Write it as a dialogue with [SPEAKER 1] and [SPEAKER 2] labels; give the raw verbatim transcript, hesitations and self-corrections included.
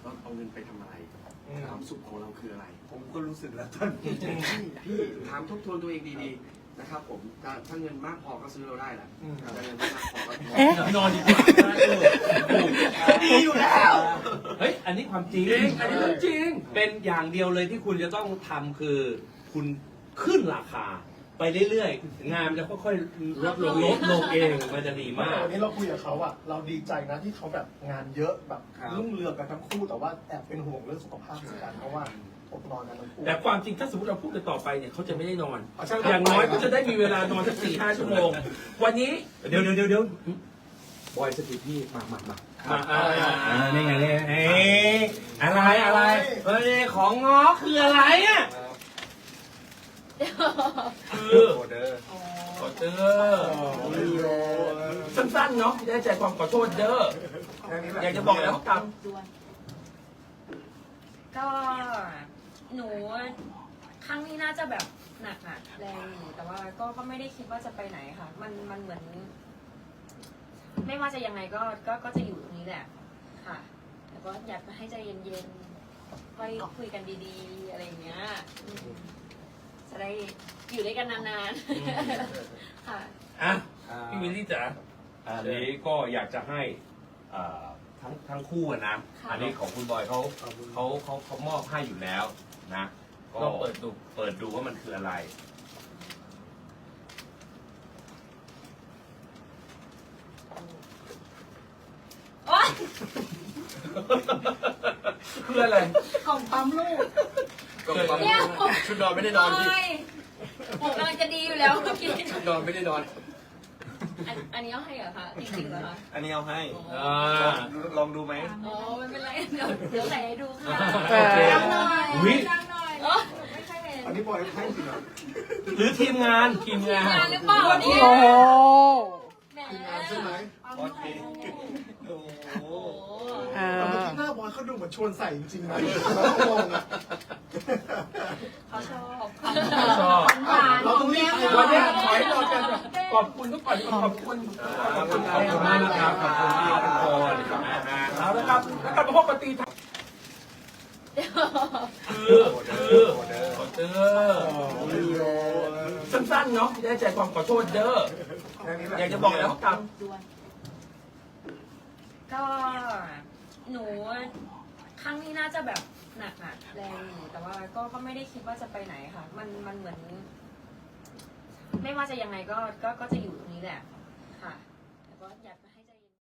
[SPEAKER 1] เราเอาเงินไปทำอะไรความสุขของเราคืออะไร
[SPEAKER 2] ผมก็รู้สึกแล้วตอนนี้
[SPEAKER 1] พี่ถามทบทวนตัวเองดีๆนะครับผมถ้าถ้าเงินมากพอก็ซื้อเราได้แหละแต่เงินไม่มากพอก็
[SPEAKER 3] นอนดีกว่า
[SPEAKER 1] ดีอยู่แล้ว
[SPEAKER 3] เฮ้ยอันนี้ความจริง
[SPEAKER 1] อันนี้เรื่องจริง
[SPEAKER 3] เป็นอย่างเดียวเลยที่คุณจะต้องทำคือคุณขึ้นราคาไปเรื่อยๆงานมันจะค่อยๆลดลงลดลงเองมันจะดีมาก
[SPEAKER 2] วันนี้เราคุยกับเขาอะเราดีใจนะที่เขาแบบงานเยอะแบบรุ่งเรืองกันทั้งคู่แต่ว่าแอบเป็นห่วงเรื่องสุขภาพเหมือนกันเพราะว่าอดนอนกันทั้งคู่
[SPEAKER 3] แต่ความจริงถ้าสมมติเราพูดกันต่อไปเนี่ยเขาจะไม่ได้นอนอย่างน้อยก็จะได้มีเวลานอนสักสี่ห้าชั่วโมงวันนี้เดี๋ยวเดี๋ยวเดี๋ยวเดี๋ยวบอยสติพี่มามามามาอ่านี่ไงนี่ไงอะไรอะไรเฮ้ยของง้อคืออะไรอ่ะคือ
[SPEAKER 2] ออเดอร์
[SPEAKER 3] ขอเด้อสั้นๆเนาะได้ใจความขอโทษเด้ออยากจะบอกแล้วกับ
[SPEAKER 4] ก็หนูครั้งนี้น่าจะแบบหนักอะแรงอยู่แต่ว่าก็ก็ไม่ได้คิดว่าจะไปไหนค่ะ มันมันเหมือน ไม่ว่าจะยังไงก็ก็ก็จะอยู่ตรงนี้แหละค่ะแต่ก็อยากให้ใจเย็นๆค่อยคุยกันดีๆอะไรอย่างเงี้ยจะได้อยู่ด้วยกันนานๆค่ะ
[SPEAKER 3] อ่ะพี่วิลลี่จ๋าอันนี้ก็อยากจะให้ทั้งทั้งคู่นะอันนี้ของคุณบอยเขาเขาเขาเขามอบให้อยู่แล้วนะก็เปิดดูเปิดดูว่ามันคืออะไรคืออะไร
[SPEAKER 4] กล่องปั๊มลูก
[SPEAKER 1] กล่องปั๊มชุดนอนไม่ได้นอนพี่
[SPEAKER 4] ผมกำลังจะดีอยู่แล้วเมื่อกี้
[SPEAKER 1] ชุดนอนไม่ได้นอน
[SPEAKER 4] อันนี้เอาให้เหรอคะจริงๆเหรอคะ
[SPEAKER 2] อันนี้เอาให้ลองดูไหม
[SPEAKER 4] อ๋อไม่เป็นไรเดี๋ยวเดี๋ยวใส่ให้ดูค่ะ
[SPEAKER 3] ดังหน่อย
[SPEAKER 4] ดังหน่อยไม่ค่อยเห็น
[SPEAKER 2] อันนี้บอยให้จริงเหรอ
[SPEAKER 3] หรือทีมงานทีมงาน
[SPEAKER 4] หรือเปล่าเนี่ย
[SPEAKER 2] โอ้โห
[SPEAKER 4] แหม
[SPEAKER 2] ใช่ไหม
[SPEAKER 4] โอ้โห
[SPEAKER 2] แต่เมื่อกี้หน้าบอยเขาดูเหมือนชวนใส่จริงๆนะเราก็งงอ่ะ
[SPEAKER 4] เขาชอบ
[SPEAKER 3] เขาชอบ
[SPEAKER 2] เราต้องรีบไป
[SPEAKER 3] วันนี้ขอให้เรากันขอบคุณทุกคนขอบคุณขอบคุณขอบคุณมากนะครับขอบคุณที่ทุกคนเอาละครับแล้วกลับมาพบกันตีคือคือขอเด้อสั้นๆเนาะได้ใจความขอโทษเด้ออยากจะบอกแล้วกับ
[SPEAKER 4] ก็หนูครั้งนี้น่าจะแบบหนักอะแรงอยู่แต่ว่าก็ก็ไม่ได้คิดว่าจะไปไหนค่ะ มันมันเหมือน ไม่ว่าจะยังไงก็ก็ก็จะอยู่ตรงนี้แหละค่ะแต่ก็อยาก